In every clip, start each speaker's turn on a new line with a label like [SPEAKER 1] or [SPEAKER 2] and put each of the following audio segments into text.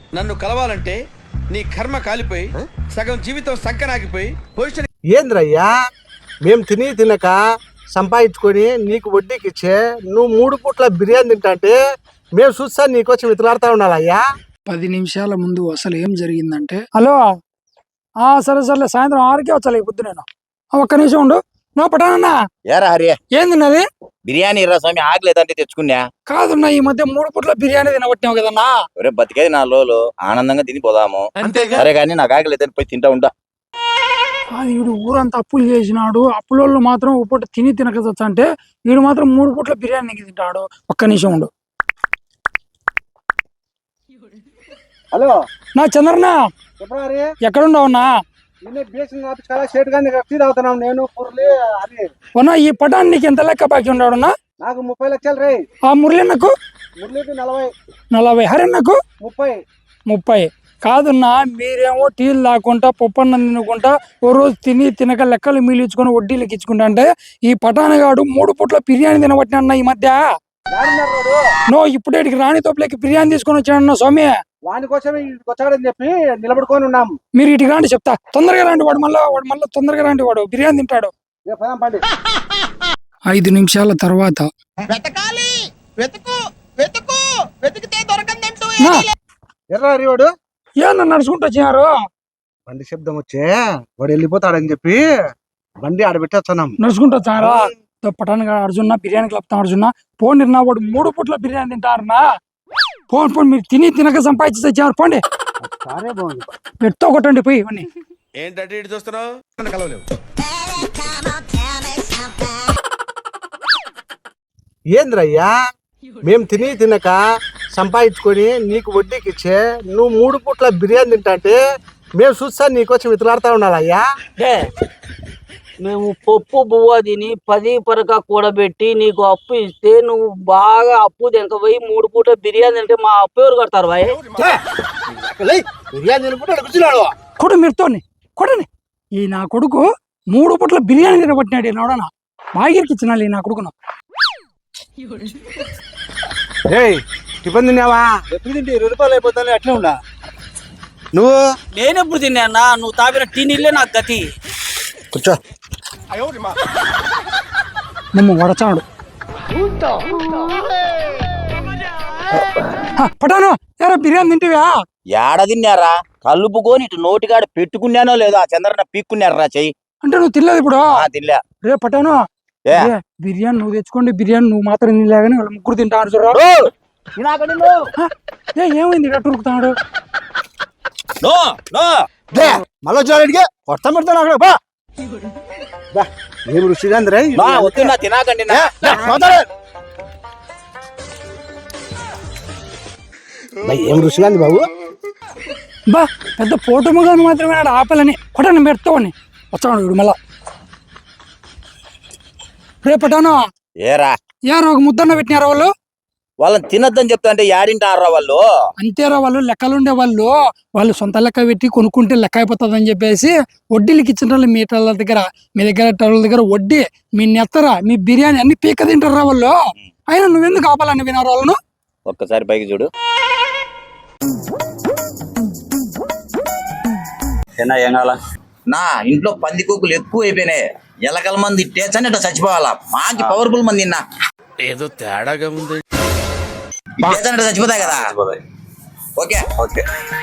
[SPEAKER 1] నన్ను కలవాలంటే నీ కర్మ కాలిపోయి సగం జీవితం సంకనాగిపోయి పొజిషన్.
[SPEAKER 2] ఏంద్రయ్యా మేము తినక సంపాదించుకొని నీకు వడ్డీకి ఇచ్చే నువ్వు 3 పూట్ల బిర్యానీ తింటే మేము చూస్తా నీకోసం ఇతలాడుతా ఉండాలయ్యా.
[SPEAKER 3] 10 నిమిషాల ముందు అసలు ఏం జరిగిందంటే, హలో సరే సర్లే సాయంత్రం 6కే వచ్చాలి పొద్దు. నేను ఒక్క నిమిషం ఉండు. నో పటానన్నా
[SPEAKER 4] ఏరా హరి
[SPEAKER 3] ఏందిన్నది?
[SPEAKER 4] బిర్యానీ రా స్వామి, ఆకలేదంటే తెచ్చుకున్నా.
[SPEAKER 3] కాదున్నా ఈ మధ్య 3 పూట్ల బిర్యానీ తినబట్టినావు కదన్నా.
[SPEAKER 4] ఒరే బతికేది 4 రోజులు ఆనందంగా తిని పోదాము. సరే కానీ నాకు ఆకలేదని పోయి తింటా ఉంటా.
[SPEAKER 3] వీడు ఊరంతా అప్పులు చేసినాడు. అప్పులోళ్ళు మాత్రం ఒక పూట తినకవచ్చు అంటే వీడు మాత్రం 3 పూట్ల బిర్యానీ తింటాడు. ఒక్క నిమిషం ఉండు.
[SPEAKER 2] హలో
[SPEAKER 3] నా చంద్రనా ఎక్కడున్నావున్నా? ఉన్నా ఈ పటాన్ నీకు ఎంత లెక్క బాకీ ఉన్నాడున్నా?
[SPEAKER 2] నాకు 30 లక్షలు రే.
[SPEAKER 3] ఆ మురళన్నకు
[SPEAKER 2] మురళికి 40.
[SPEAKER 3] 40. హరిన్నకు
[SPEAKER 2] 30.
[SPEAKER 3] కాదున్నా మీరేమో టీలు లాక్కుంటా పప్పన్నం తినుకుంటా ఓ రోజు తినక లెక్కలు మీలించుకొని వడ్డీలకి ఇచ్చుకుంటా అంటే ఈ పటానగాడు 3 పూట్ల బిర్యానీ తినబట్టినా ఈ మధ్య. నో ఇప్పుడేటికి రాణి తోపులకి బిర్యానీ తీసుకొని వచ్చాడన్న స్వామి.
[SPEAKER 2] వాని కోసమే వచ్చాడని చెప్పి నిలబడుకొని ఉన్నాం.
[SPEAKER 3] మీరు ఇటు రాండి చెప్తా. తొందరగా రాండి. వాడు మళ్ళీ తొందరగా రాండి. వాడు బిర్యానీ తింటాడు. 5 నిమిషాల తర్వాత
[SPEAKER 2] వాడు
[SPEAKER 3] ఏమన్నా నడుచుకుంటూ వచ్చినారు?
[SPEAKER 2] బండి శబ్దం వచ్చే వాడు వెళ్ళిపోతాడని చెప్పి బండి ఆడబెట్టేస్తున్నాం.
[SPEAKER 3] నడుచుకుంటూ వచ్చారా? పటాన్ అర్జున్న బిర్యానీ కలుపుతాం. అర్జున్న పోండి నా వాడు 3 పూట్ల బిర్యానీ తింటారన్నా. పోండి మీరు తినక సంపాదించి తెచ్చారు. పోండి పెట్టుతో కొట్టండి పోయి ఇవన్నీ.
[SPEAKER 1] ఏంటంటే ఇటు చూస్తున్నావు? కలవలేవు.
[SPEAKER 2] ఏంద్రయ్యా మేము తినక సంపాదించుకొని నీకు వడ్డీకి ఇచ్చే నువ్వు 3 పూట్ల బిర్యానీ తింటే మేము చూస్తా నీకోసం ఇతలాడుతా ఉండాలయ్యా.
[SPEAKER 5] మేము పప్పు బువ్వ తిని 10 పరక కూడబెట్టి నీకు అప్పు ఇస్తే నువ్వు బాగా అప్పు తినకపోయి 3 పూట బిర్యానీ అంటే మా అప్పు ఎవరు కడతారు భాయ్?
[SPEAKER 2] బిర్యానీ తినుకుంటాడు.
[SPEAKER 3] కొడు మీరుతోని కొడని. ఈ నా కొడుకు 3 పూట్ల బిర్యానీ తినబట్టినాడు. నోడనా బాగిరికి ఇచ్చినాలి నా కొడుకును.
[SPEAKER 2] టిఫిన్ తిన్నావా? ఎప్పుడు తింటే 20 రూపాయలు అయిపోతాను. అట్లా ఉండా నువ్వు?
[SPEAKER 5] నేనెప్పుడు తిన్నా? నువ్వు తాపిన టీ నీళ్ళే నాకు గతి.
[SPEAKER 2] కూర్చో.
[SPEAKER 3] మమ్మ వడచాడు. పటాను ఎరా బిర్యానీ తింటివా?
[SPEAKER 4] ఏడ తిన్నారా? కలుపుకొని ఇటు నోటికాడ పెట్టుకున్నానో లేదో ఆ చంద్రన్న పీక్కున్నారా చెయ్యి.
[SPEAKER 3] అంటే నువ్వు తినలేదు ఇప్పుడు?
[SPEAKER 4] తినలే.
[SPEAKER 3] రే పటాను బిర్యానీ నువ్వు తెచ్చుకోండి. బిర్యానీ నువ్వు మాత్రం తినలేగాని వాళ్ళు 3 తింటాను చూడరా. ఏమైంది ఉరుకుతాడు?
[SPEAKER 2] మళ్ళీ వచ్చాడికి కొత్త పెడతాను అక్కడ. ఏం రుచిగా
[SPEAKER 4] తినాకండి.
[SPEAKER 2] ఏం రుచిగా బాబు?
[SPEAKER 3] బా పెద్ద పోటముగాను మాత్రమే ఆపలని కొట్టని పెడతావని వచ్చాడు వీడు మళ్ళా. రేపటాను
[SPEAKER 4] ఏరా
[SPEAKER 3] ఒక ముద్దన్న పెట్టినారా వాళ్ళు?
[SPEAKER 4] వాళ్ళని తినద్దని చెప్తా అంటే యాడింటారా వాళ్ళు?
[SPEAKER 3] అంతేరా వాళ్ళు లెక్కలుండే వాళ్ళు సొంత లెక్క పెట్టి కొనుక్కుంటే లెక్క అయిపోతుందని చెప్పేసి వడ్డీలకి ఇచ్చిన మీటర్ల దగ్గర మీ దగ్గర వడ్డీ మీ నెత్తరా మీ బిర్యానీ అన్ని పీక తింటారా వాళ్ళు. అయినా నువ్వెందుకు ఆపాలని వినారు వాళ్ళను?
[SPEAKER 4] ఒక్కసారి పైకి చూడు. నా ఇంట్లో పందికొక్కులు ఎక్కువ అయిపోయినాయి. ఎలకల మంది టేచని ఇట్లా చచ్చిపోవాలా. మాకి పవర్ఫుల్ మంది నిన్న
[SPEAKER 1] ఏదో తేడాగా ఉంది.
[SPEAKER 4] చచ్చిపోతాయి కదా. Okay okay.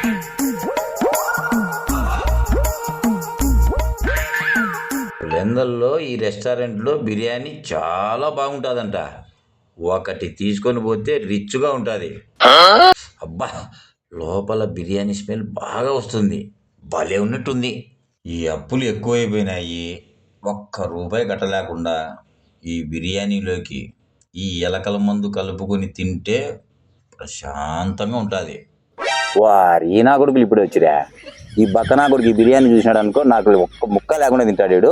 [SPEAKER 4] లెందల్లో ఈ రెస్టారెంట్లో బిర్యానీ చాలా బాగుంటుందంట. ఒకటి తీసుకొని పోతే రిచ్గా ఉంటుంది. అబ్బా లోపల బిర్యానీ స్మెల్ బాగా వస్తుంది. భలే ఉన్నట్టుంది. ఈ అప్పులు ఎక్కువైపోయినాయి. 1 రూపాయి కట్టలేకుండా ఈ బిర్యానీలోకి ఈ ఎలకల మందు కలుపుకొని తింటే ప్రశాంతంగా ఉంటుంది. వారి నా కొడుకులు ఇప్పుడు వచ్చిరా. ఈ బక్క నా కొడుకు ఈ బిర్యానీ చూసినాడు అనుకో, నాకు 1 ముక్క లేకుండా తింటాడు.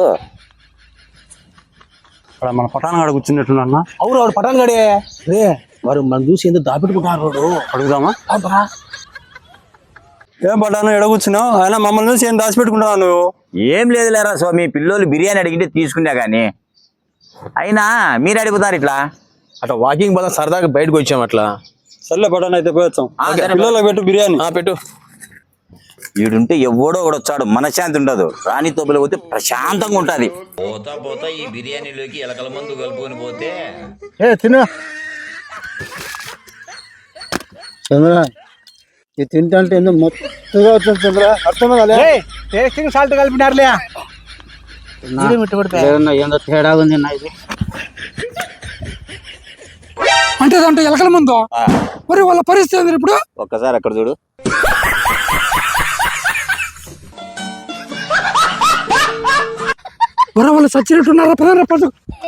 [SPEAKER 2] మన పటాన్ గడ కూర్చున్నట్టున్నా. అవును వాడు పటాన్ గడే. వారు మనం చూసి ఎందుకు దాపెట్టుకుంటారు. వాడు అడుగుదామా?
[SPEAKER 6] ఏం పటాను ఎడ కూర్చున్నావు? ఆయన మమ్మల్ని చూసి ఏం దాచిపెట్టుకుంటున్నావు నువ్వు?
[SPEAKER 4] ఏం లేదు లేరా స్వామి, పిల్లోళ్ళు బిర్యానీ అడిగితే తీసుకున్నా కానీ అయినా మీరు అడుగుతారు ఇట్లా.
[SPEAKER 6] అట్లా వాకింగ్ బలం సరదాగా బయటకు వచ్చాం. అట్లా సర్లే పటాన్ అయితే పోయొచ్చాం
[SPEAKER 4] సరే.
[SPEAKER 6] పిల్లలకు పెట్టు బిర్యానీ
[SPEAKER 1] పెట్టు.
[SPEAKER 4] ఈడుంటే ఎవడో ఒకడు వచ్చాడు మనశ్శాంతి ఉండదు రాణి తోపులో పోతే ప్రశాంతంగా ఉంటది పోతా పోతా ఈ బిర్యానీలోకి ఎలకల మందు కలుపుకొని పోతే
[SPEAKER 2] ఏ తిను.
[SPEAKER 7] చంద్ర ఇది తింటే ఎందుకు మొత్తగా అవుతుంది చంద్ర అర్థమే కదా
[SPEAKER 2] టేస్టింగ్ సాల్ట్ కలిపినారులే.
[SPEAKER 5] లేదన్నా ఏందో తేడా ఉంది నా ఇది.
[SPEAKER 3] అంటే దాంట్లో ఎలకల ముందు మరి వాళ్ళ పరిస్థితి ఏంది ఇప్పుడు?
[SPEAKER 4] ఒక్కసారి అక్కడ చూడు
[SPEAKER 3] మరి వాళ్ళు చచ్చినట్టున్నారా? పదరా పద.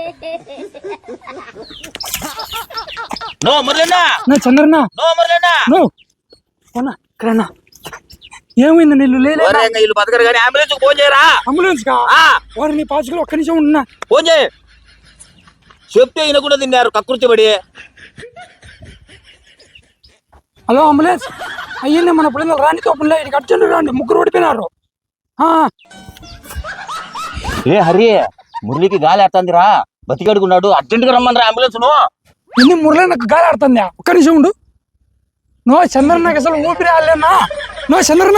[SPEAKER 4] నో మురళినా
[SPEAKER 3] నా చంద్రనా
[SPEAKER 4] నో మురళినా
[SPEAKER 3] నో పోనా ఇక్కడన్నా ఏమైంది? నీళ్ళు లేదా?
[SPEAKER 4] వీళ్ళు బతకరు కానీ అంబులెన్స్ ఫోన్ చేయరా
[SPEAKER 3] అంబులెన్స్ కా వారిని పాచుకులు ఒక్క నిమిషం ఉన్నా.
[SPEAKER 4] ఫోన్ చేయి చెప్తే ఈయన కూడా తిన్నారు కక్కుర్తిపడి
[SPEAKER 3] హలో అంబులెన్స్ అయ్యింది మన పిల్లలు రాని తోపులే ఇక్కడికి అర్జెంట్ రండి, ముగ్గురు ఓడిపోయినారు.
[SPEAKER 4] ఏ హరి మురళికి గాలి ఆడుతుందిరా బతికడుకున్నాడు అర్జెంట్ గా రమ్మని అంబులెన్స్ ను
[SPEAKER 3] ఎన్ని మురళి నాకు గాలి ఆడుతుందా? ఒక్క నిమిషం ఉండు. నో చంద్రన్ నాకు అసలు ఊపిరి ఆడలేనా? నో చంద్రనా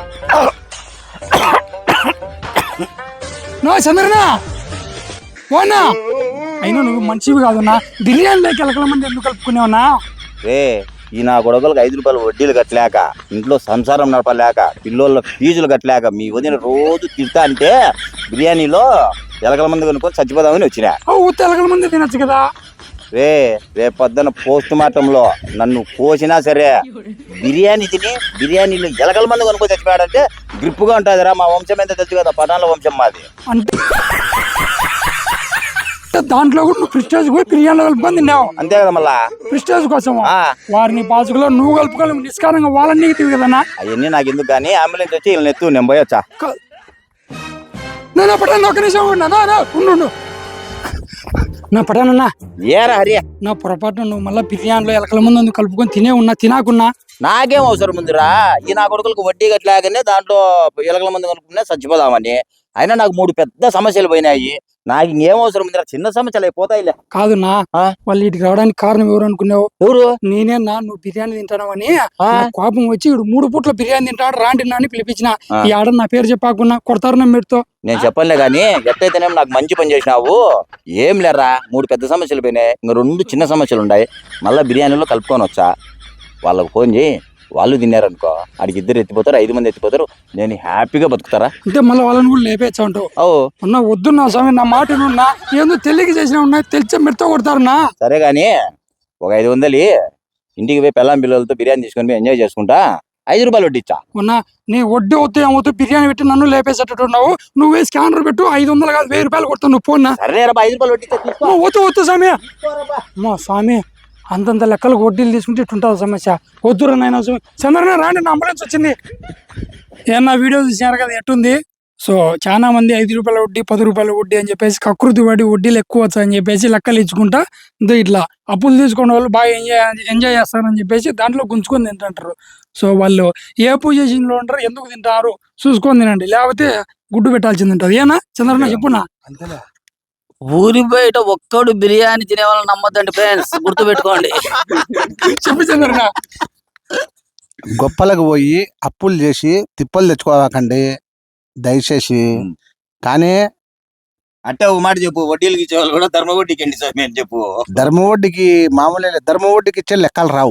[SPEAKER 3] నో చంద్రనా ఓనా అయినా నువ్వు మంచివి కాదన్నా. బిర్యానీలోకి ఎలకల మంది ఎందుకు కలుపుకునేవన్నా?
[SPEAKER 4] రే ఈ నా గొడవలకు 5 రూపాయలు వడ్డీలు కట్టలేక ఇంట్లో సంసారం నడపలేక పిల్లోళ్ళ ఫీజులు కట్టలేక మీ వదిన రోజు తిడతా అంటే బిర్యానీలో ఎలకల మంది కొనుక్కొని చచ్చిపోదామని వచ్చినా.
[SPEAKER 3] ఉత్త ఎలకల మంది తినచ్చు కదా.
[SPEAKER 4] రేపొద్దున పోస్ట్ మార్టంలో నన్ను కోసినా సరే బిర్యానీ తిని బిర్యానీలో ఎలకల మంది కొనుక్కొని చచ్చిపోయాడంటే గ్రిప్పుగా ఉంటుందిరా. మా వంశం ఎంత తెలుసు కదా, పటాన్ల వంశం మాది.
[SPEAKER 3] అంటే దాంట్లో కూడా నువ్వు ప్రిస్టేజ్ పోయి బిర్యానీలో కలుపుకొని తిన్నావు
[SPEAKER 4] అంతే కదా మళ్ళా
[SPEAKER 3] ప్రిస్టేజ్ కోసం.
[SPEAKER 4] ఆ.
[SPEAKER 3] వారిని పాచుకులో నువ్వు కలుపుకోవాలి నిష్కారంగా వాళ్ళని నెగిటివ్ కదన్నా.
[SPEAKER 4] అవన్నీ నాకు ఎందుకు కానీ అంబులెన్స్ వచ్చి వీళ్ళని ఎత్తు నేను పోయొచ్చా.
[SPEAKER 3] నేను పటాను ఒక నిమిషం ఉండు నా పటానన్నా
[SPEAKER 4] ఏరా హరి
[SPEAKER 3] నా పొరపాటున నువ్వు మళ్ళీ బిర్యానీలో ఎలకల ముందు అందుకు కలుపుకొని తినాకున్నా
[SPEAKER 4] నాకేం అవసరం ఉందిరా ఈ నా కొడుకులకు వడ్డీ కట్టలేకనే దాంట్లో ఎలకల మంది కొనుక్కునే చచ్చిపోదామని. అయినా నాకు 3 పెద్ద సమస్యలు పోయినాయి. నాకు ఇంకేం అవసరం ఉందిరా, చిన్న సమస్యలు అయిపోతాయిలే.
[SPEAKER 3] కాదున్నా వాళ్ళు ఇటుకి రావడానికి కారణం ఎవరు అనుకున్నావు?
[SPEAKER 4] ఎవరు?
[SPEAKER 3] నేనేనా నువ్వు బిర్యానీ తింటానని కోపం వచ్చి ఇడు 3 పూట్ల బిర్యానీ తింటాడు రాండి అని పిలిపించిన. ఈ ఆడ నా పేరు చెప్పాకున్నా కొడతారు నా మీరుతో.
[SPEAKER 4] నేను చెప్పనులే గాని ఎట్టయితేనే నాకు మంచి పని చేసినావు. ఏం లేరా 3 పెద్ద సమస్యలు పోయినాయి, ఇంకా 2 చిన్న సమస్యలు ఉన్నాయి. మళ్ళీ బిర్యానీలో కలుపుకొని వచ్చా. వాళ్ళకు ఫోన్ చేయి, వాళ్ళు తిన్నారనుకో ఆడికి 2 ఎత్తిపోతారు, 5 మంది ఎత్తిపోతారు. నేను హ్యాపీగా బతుకుతారా.
[SPEAKER 3] అంటే మళ్ళీ వాళ్ళని కూడా లేపేచ్చా అంటావు?
[SPEAKER 4] ఓ
[SPEAKER 3] అన్నా వద్దు నా స్వామి, నా మాట ఉన్నా ఏందో తెలియక చేసిన ఉన్నా తెలిసే మెడతో కొడతారునా.
[SPEAKER 4] సరే గాని ఒక 500 ఇంటికి పోయి పెళ్ళాం పిల్లలతో బిర్యానీ తీసుకొని పోయి ఎంజాయ్ చేసుకుంటా 5 రూపాయలు వడ్డీ ఇచ్చా.
[SPEAKER 3] ఉన్నా నీ వడ్డీ వద్దు ఏమవుతూ బిర్యానీ పెట్టి నన్ను లేపేసేటట్టున్నావు. నువ్వే స్కానర్ పెట్టు 500 కాదు 1000 రూపాయలు కొడతావు నువ్వు ఫోన్.
[SPEAKER 4] సరే 5 రూపాయలు వడ్డీ ఇచ్చా, తీసుకో.
[SPEAKER 3] వద్దు స్వామి. మా స్వామి అంతంత లెక్కలకు వడ్డీలు తీసుకుంటే ఇట్టుంటుంది సమస్య. వద్దురా నాయన చంద్రన రాండి, నా అంబులెన్స్ వచ్చింది. ఏమన్నా వీడియో చూసినారు కదా ఎట్టుంది. సో చాలా మంది 5 రూపాయల వడ్డీ 10 రూపాయల వడ్డీ అని చెప్పేసి కకృతి పడి వడ్డీలు ఎక్కువ వచ్చాయని చెప్పేసి లెక్కలు ఇచ్చుకుంటా ఇట్లా అప్పులు తీసుకునే వాళ్ళు బాగా ఎంజాయ్ చేస్తారని చెప్పేసి దాంట్లో గుంజుకొని తింటుంటారు. సో వాళ్ళు ఏ పొజిషన్ లో ఉంటారు, ఎందుకు తింటారు చూసుకొని తినండి, లేకపోతే గుడ్డు పెట్టాల్సింది ఉంటుంది. ఏనా చంద్రన్న చెప్పునా?
[SPEAKER 5] ఊరి బయట ఒక్కడు బిర్యానీ తినే వాళ్ళని నమ్మద్దండి ఫ్రెండ్స్, గుర్తు పెట్టుకోండి.
[SPEAKER 3] చెప్పు చంద్రన్న.
[SPEAKER 2] గొప్పలకు పోయి అప్పులు చేసి తిప్పలు తెచ్చుకోవాకండి దయచేసి. కానీ
[SPEAKER 4] అంటే ఒక మాట చెప్పు, వడ్డీలకు ఇచ్చేవాళ్ళు కూడా ధర్మ వడ్డీకి ఎండి స్వామి అని చెప్పు.
[SPEAKER 2] ధర్మ వడ్డీకి మామూలు ధర్మ వడ్డీకి ఇచ్చే లెక్కలు రావు.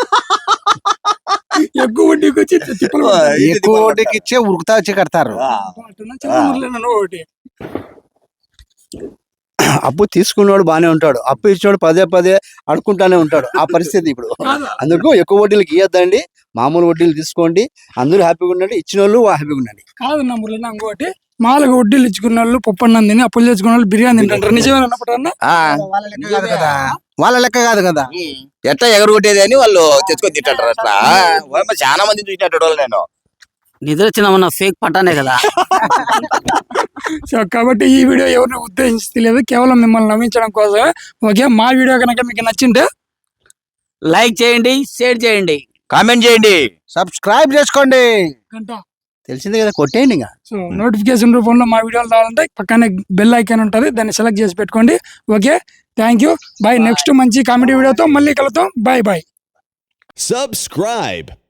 [SPEAKER 3] ఎక్కువ వడ్డీకి వచ్చి తిప్పలు
[SPEAKER 2] ఎక్కువ వడ్డీకి ఇచ్చే ఉరుకుతా వచ్చి కడతారు.
[SPEAKER 3] ఒకటి
[SPEAKER 7] అప్పు తీసుకున్నవాడు బానే ఉంటాడు, అప్పు ఇచ్చినోడు పదే అడుకుంటానే ఉంటాడు. ఆ పరిస్థితి ఇప్పుడు. అందుకు ఎక్కువ వడ్డీలకు ఇవ్వద్దండి, మామూలు వడ్డీలు తీసుకోండి. అందరూ హ్యాపీగా ఉండండి, ఇచ్చిన వాళ్ళు హ్యాపీగా ఉండండి.
[SPEAKER 3] కాదు నా మురళి ఇంకోటి మాలకు వడ్డీలు ఇచ్చుకున్న వాళ్ళు పప్పన్నం తిని అప్పులు తెచ్చుకున్న వాళ్ళు బిర్యానీ తింటారు. నిజమేనప్పుడు
[SPEAKER 2] వాళ్ళ లెక్క కాదు కదా.
[SPEAKER 4] ఎట్లా ఎగరగొట్టేది అని వాళ్ళు తెచ్చుకొని తింటారు. అట్లా చాలా మంది చూసినట్టు నేను
[SPEAKER 5] నిద్ర వచ్చిన ఫేక్ పట్టానే కదా.
[SPEAKER 3] సో కాబట్టి ఈ వీడియో ఎవరిని ఉద్దేశించలేదు, కేవలం మిమ్మల్ని నవ్వించడం కోసం. ఓకే, మా వీడియో కనుక మీకు నచ్చింటే
[SPEAKER 5] లైక్ చేయండి, షేర్ చేయండి,
[SPEAKER 4] కామెంట్ చేయండి,
[SPEAKER 2] సబ్స్క్రైబ్ చేసుకోండి.
[SPEAKER 7] తెలిసిందే కదా, కొట్టేయండి ఇంకా.
[SPEAKER 3] సో నోటిఫికేషన్ రూపంలో మా వీడియోలు రావాలంటే పక్కనే బెల్ ఐకాన్ ఉంటుంది, దాన్ని సెలెక్ట్ చేసి పెట్టుకోండి. Okay, thank you, bye. Next మంచి కామెడీ వీడియోతో మళ్ళీ కలుద్దాం. బాయ్.
[SPEAKER 8] Subscribe.